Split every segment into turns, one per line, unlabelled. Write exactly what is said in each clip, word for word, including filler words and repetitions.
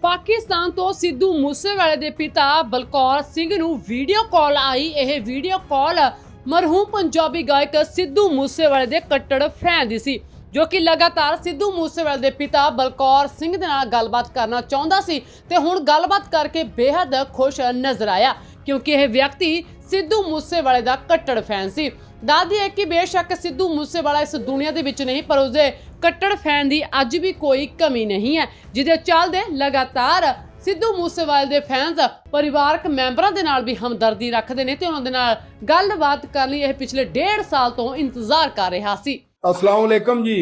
ਪਾਕਿਸਤਾਨ ਤੋਂ ਸਿੱਧੂ ਮੂਸੇਵਾਲੇ ਦੇ ਪਿਤਾ ਬਲਕੌਰ ਸਿੰਘ ਨੂੰ ਵੀਡੀਓ ਕਾਲ ਆਈ। ਇਹ ਵੀਡੀਓ ਕਾਲ ਮਰਹੂਮ ਪੰਜਾਬੀ ਗਾਇਕ ਸਿੱਧੂ ਮੂਸੇਵਾਲੇ ਦੇ ਕੱਟੜ ਫੈਨ ਦੀ ਸੀ, ਜੋ ਕਿ ਲਗਾਤਾਰ ਸਿੱਧੂ ਮੂਸੇਵਾਲੇ ਦੇ ਪਿਤਾ ਬਲਕੌਰ ਸਿੰਘ ਦੇ ਨਾਲ ਗੱਲਬਾਤ ਕਰਨਾ ਚਾਹੁੰਦਾ ਸੀ ਤੇ ਹੁਣ ਗੱਲਬਾਤ ਕਰਕੇ ਬੇहद ਖੁਸ਼ ਨਜ਼ਰ ਆਇਆ, ਕਿਉਂਕਿ ਇਹ ਵਿਅਕਤੀ ਸਿੱਧੂ ਮੂਸੇਵਾਲੇ ਦਾ ਕੱਟੜ ਫੈਨ ਸੀ। ਦੱਸਦੀ ਹੈ ਕਿ ਬੇਸ਼ੱਕ ਸਿੱਧੂ ਮੂਸੇਵਾਲਾ ਇਸ ਦੁਨੀਆ ਦੇ ਵਿੱਚ ਨਹੀਂ, ਪਰ ਉਸਦੇ ਕੱਟੜ ਫੈਨ ਦੀ ਅੱਜ ਵੀ ਕੋਈ ਕਮੀ ਨਹੀਂ ਹੈ, ਜਿਹਦੇ ਚੱਲਦੇ ਲਗਾਤਾਰ ਸਿੱਧੂ ਮੂਸੇਵਾਲੇ ਦੇ ਫੈਨਸ ਪਰਿਵਾਰਕ ਮੈਂਬਰਾਂ ਦੇ ਨਾਲ ਵੀ ਹਮਦਰਦੀ ਰੱਖਦੇ ਨੇ ਤੇ ਉਹਨਾਂ ਦੇ ਨਾਲ ਗੱਲਬਾਤ ਕਰਨ ਲਈ ਇਹ ਪਿਛਲੇ ਡੇਢ ਸਾਲ ਤੋਂ ਇੰਤਜ਼ਾਰ ਕਰ ਰਿਹਾ ਸੀ।
अस्सलाम वालेकुम जी।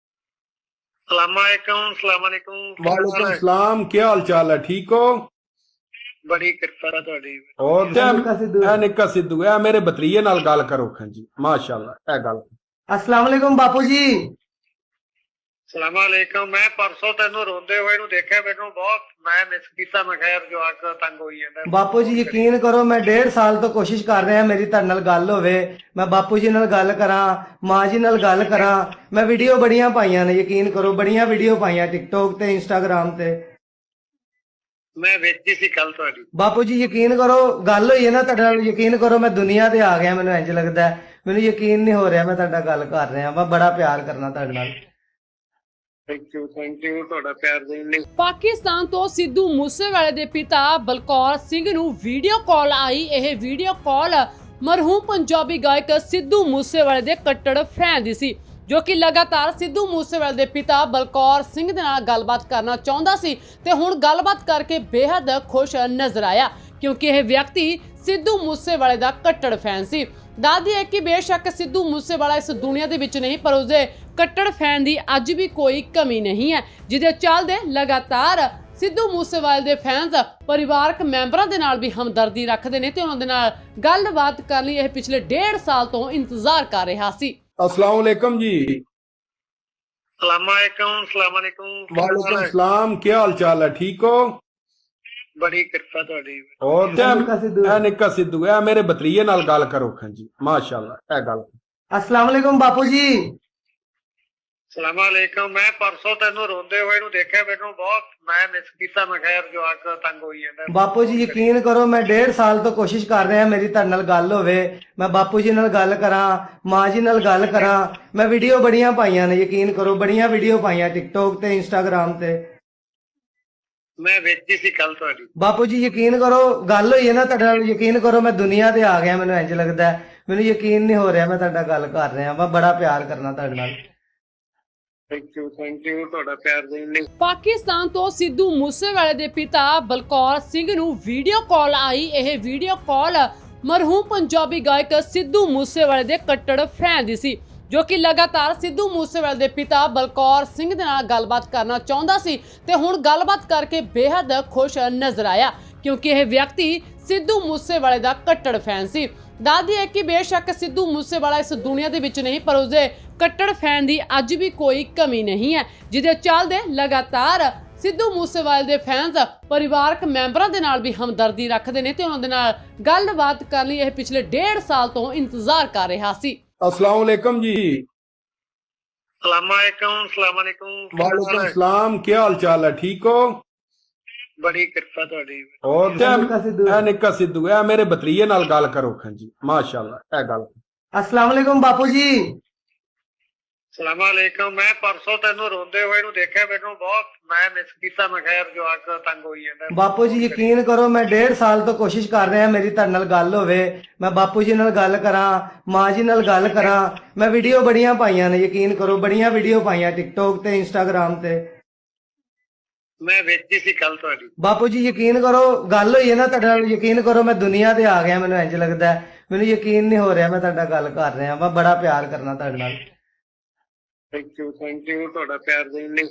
सलामकुम सलामकुम
वालेकुम सलाम, क्या हाल चाल है? ठीक हो?
बड़ी कृपा तुहाडी।
और ए निक्का सिद्धू ए मेरे भतरीए नाल गल करो खां जी, माशाअल्लाह ए गल।
अस्सलाम वालेकुम बापू जी।
सलामकुम। मैं परसों तेनू रोंदे होए नू देखिया, मैनू बहुत मैं मिस कीता। मैं खैर जो आक तंग होई जांदा।
बापू जी यकीन करो, मैं डेढ़ साल तो कोशिश कर रहा मेरी तुहाडे नाल गल होवे, मैं बापू जी नाल गल करां, मां जी नाल गल करां। मैं वीडियो बड़ियां पाईयां ने, यकीन करो बड़ियां वीडियो पाईयां टिकटॉक ते इंस्टाग्राम ते।
मैं विच ही सी कल तुहाडी।
बापू जी यकीन करो, गल होई है ना तुहाडे नाल, यकीन करो मैं दुनिया ते आ गया। मैनू इंज लगदा है, मैनू यकीन नहीं हो रहा मैं तुहाडा गल कर रहा। मैं बड़ा प्यार करना तुहाडे नाल।
थैंक यू थैंक यू ਤੁਹਾਡਾ ਪਿਆਰ ਦੇਣ ਲਈ।
ਪਾਕਿਸਤਾਨ ਤੋਂ ਸਿੱਧੂ ਮੂਸੇਵਾਲੇ ਦੇ ਪਿਤਾ ਬਲਕੌਰ ਸਿੰਘ ਨੂੰ ਵੀਡੀਓ ਕਾਲ ਆਈ। ਇਹ ਵੀਡੀਓ ਕਾਲ ਮਰਹੂਮ ਪੰਜਾਬੀ ਗਾਇਕ ਸਿੱਧੂ ਮੂਸੇਵਾਲੇ ਦੇ ਕੱਟੜ ਫੈਨ ਦੀ ਸੀ, ਜੋ ਕਿ ਲਗਾਤਾਰ ਸਿੱਧੂ ਮੂਸੇਵਾਲੇ ਦੇ ਪਿਤਾ ਬਲਕੌਰ ਸਿੰਘ ਦੇ ਨਾਲ ਗੱਲਬਾਤ ਕਰਨਾ ਚਾਹੁੰਦਾ ਸੀ ਤੇ ਹੁਣ ਗੱਲਬਾਤ ਕਰਕੇ ਬੇहद ਖੁਸ਼ ਨਜ਼ਰ ਆਇਆ, ਕਿਉਂਕਿ ਇਹ ਵਿਅਕਤੀ ਸਿੱਧੂ ਮੂਸੇਵਾਲੇ ਦਾ ਕੱਟੜ ਫੈਨ ਸੀ। ਦੱਸਦੀ ਹੈ ਕਿ ਬੇਸ਼ੱਕ ਸਿੱਧੂ ਮੂਸੇਵਾਲਾ ਇਸ ਦੁਨੀਆ ਦੇ ਵਿੱਚ ਨਹੀਂ, ਪਰ ਉਸਦੇ ਕੱਟੜ ਫੈਨ ਦੀ ਅੱਜ ਵੀ ਕੋਈ ਕਮੀ ਨਹੀਂ ਹੈ, ਜਿਹਦੇ ਚੱਲਦੇ ਲਗਾਤਾਰ ਸਿੱਧੂ ਮੂਸੇਵਾਲੇ ਦੇ ਫੈਨਸ ਪਰਿਵਾਰਕ ਮੈਂਬਰਾਂ ਦੇ ਨਾਲ ਵੀ ਹਮਦਰਦੀ ਰੱਖਦੇ ਨੇ ਤੇ ਉਹਨਾਂ ਦੇ ਨਾਲ ਗੱਲਬਾਤ ਕਰਨ ਲਈ ਇਹ ਪਿਛਲੇ ਡੇਢ ਸਾਲ ਤੋਂ ਇੰਤਜ਼ਾਰ ਕਰ ਰਿਹਾ ਸੀ।
अस्सलाम वालेकुम जी।
सलामकुम सलामकुम
वालेकुम सलाम, क्या हाल चाल है? ठीक हो?
बड़ी कृपा तुहाडी।
और ए निक्का सिद्धू ए मेरे भतरीए नाल गल करो खां जी, माशाअल्लाह ए गल।
अस्सलाम वालेकुम बापू जी।
सलामकुम। मैं परसों तेनू रोंदे होए नू देखिया, मैनू बहुत मैं मिस कीता। मैं खैर जो आक तंग होई जांदा।
बापू जी यकीन करो, मैं डेढ़ साल तो कोशिश कर रहा मेरी तुहाडे नाल गल होवे, मैं बापू जी नाल गल करां, मां जी नाल गल करां। मैं वीडियो बड़ियां पाईयां ने, यकीन करो बड़ियां वीडियो पाईयां टिकटॉक ते इंस्टाग्राम ते।
मैं विच ही सी कल तुहाडी।
बापू जी यकीन करो, गल होई है ना तुहाडे नाल, यकीन करो मैं दुनिया ते आ गया। मैनू इंज लगदा है, मैनू यकीन नहीं हो रहा मैं तुहाडा गल कर रहा। मैं बड़ा प्यार करना तुहाडे नाल।
थैंक यू थैंक यू ਤੁਹਾਡਾ ਪਿਆਰ ਦੇਣ ਲਈ।
ਪਾਕਿਸਤਾਨ ਤੋਂ ਸਿੱਧੂ ਮੂਸੇਵਾਲੇ ਦੇ ਪਿਤਾ ਬਲਕੌਰ ਸਿੰਘ ਨੂੰ ਵੀਡੀਓ ਕਾਲ ਆਈ। ਇਹ ਵੀਡੀਓ ਕਾਲ ਮਰਹੂਮ ਪੰਜਾਬੀ ਗਾਇਕ ਸਿੱਧੂ ਮੂਸੇਵਾਲੇ ਦੇ ਕੱਟੜ ਫੈਨ ਦੀ ਸੀ, ਜੋ ਕਿ ਲਗਾਤਾਰ ਸਿੱਧੂ ਮੂਸੇਵਾਲੇ ਦੇ ਪਿਤਾ ਬਲਕੌਰ ਸਿੰਘ ਦੇ ਨਾਲ ਗੱਲਬਾਤ ਕਰਨਾ ਚਾਹੁੰਦਾ ਸੀ ਤੇ ਹੁਣ ਗੱਲਬਾਤ ਕਰਕੇ ਬੇहद ਖੁਸ਼ ਨਜ਼ਰ ਆਇਆ, ਕਿਉਂਕਿ ਇਹ ਵਿਅਕਤੀ ਸਿੱਧੂ ਮੂਸੇਵਾਲੇ ਦਾ ਕੱਟੜ ਫੈਨ ਸੀ। ਦੱਸਦੀ ਹੈ ਕਿ ਬੇਸ਼ੱਕ ਸਿੱਧੂ ਮੂਸੇਵਾਲਾ ਇਸ ਦੁਨੀਆ ਦੇ ਵਿੱਚ ਨਹੀਂ, ਪਰ ਉਸਦੇ ਕੱਟੜ ਫੈਨ ਦੀ ਅੱਜ ਵੀ ਕੋਈ ਕਮੀ ਨਹੀਂ ਹੈ, ਜਿਹਦੇ ਚੱਲਦੇ ਲਗਾਤਾਰ ਸਿੱਧੂ ਮੂਸੇਵਾਲੇ ਦੇ ਫੈਨਸ ਪਰਿਵਾਰਕ ਮੈਂਬਰਾਂ ਦੇ ਨਾਲ ਵੀ ਹਮਦਰਦੀ ਰੱਖਦੇ ਨੇ ਤੇ ਉਹਨਾਂ ਦੇ ਨਾਲ ਗੱਲਬਾਤ ਕਰਨ ਲਈ ਇਹ ਪਿਛਲੇ ਡੇਢ ਸਾਲ ਤੋਂ ਇੰਤਜ਼ਾਰ ਕਰ ਰਿਹਾ ਸੀ।
अस्सलाम वालेकुम जी।
सलामकुम सलामकुम
वालेकुम सलाम, क्या हाल चाल है? ठीक हो?
बड़ी कृपा तुहाडी।
और ए निक्का सिद्धू ए मेरे भतरीए नाल गल करो खां जी, माशाअल्लाह ए गल।
अस्सलाम वालेकुम बापू जी।
सलामकुम। मैं परसों तेनू रोंदे होए नू देखिया, मैनू बहुत मैं मिस कीता। मैं खैर जो आक तंग होई जांदा।
बापू जी यकीन करो, मैं डेढ़ साल तो कोशिश कर रहा मेरी तुहाडे नाल गल होवे, मैं बापू जी नाल गल करां, मां जी नाल गल करां। मैं वीडियो बड़ियां पाईयां ने, यकीन करो बड़ियां वीडियो पाईयां टिकटॉक ते इंस्टाग्राम ते।
मैं विच ही सी कल तुहाडी।
बापू जी यकीन करो, गल होई है ना तुहाडे नाल, यकीन करो मैं दुनिया ते आ गया। मैनू इंज लगदा है, मैनू यकीन नहीं हो रहा मैं तुहाडा गल कर रहा। मैं बड़ा प्यार करना तुहाडे नाल।
थैंक यू थैंक यू ਤੁਹਾਡਾ ਪਿਆਰ ਦੇਣ ਲਈ।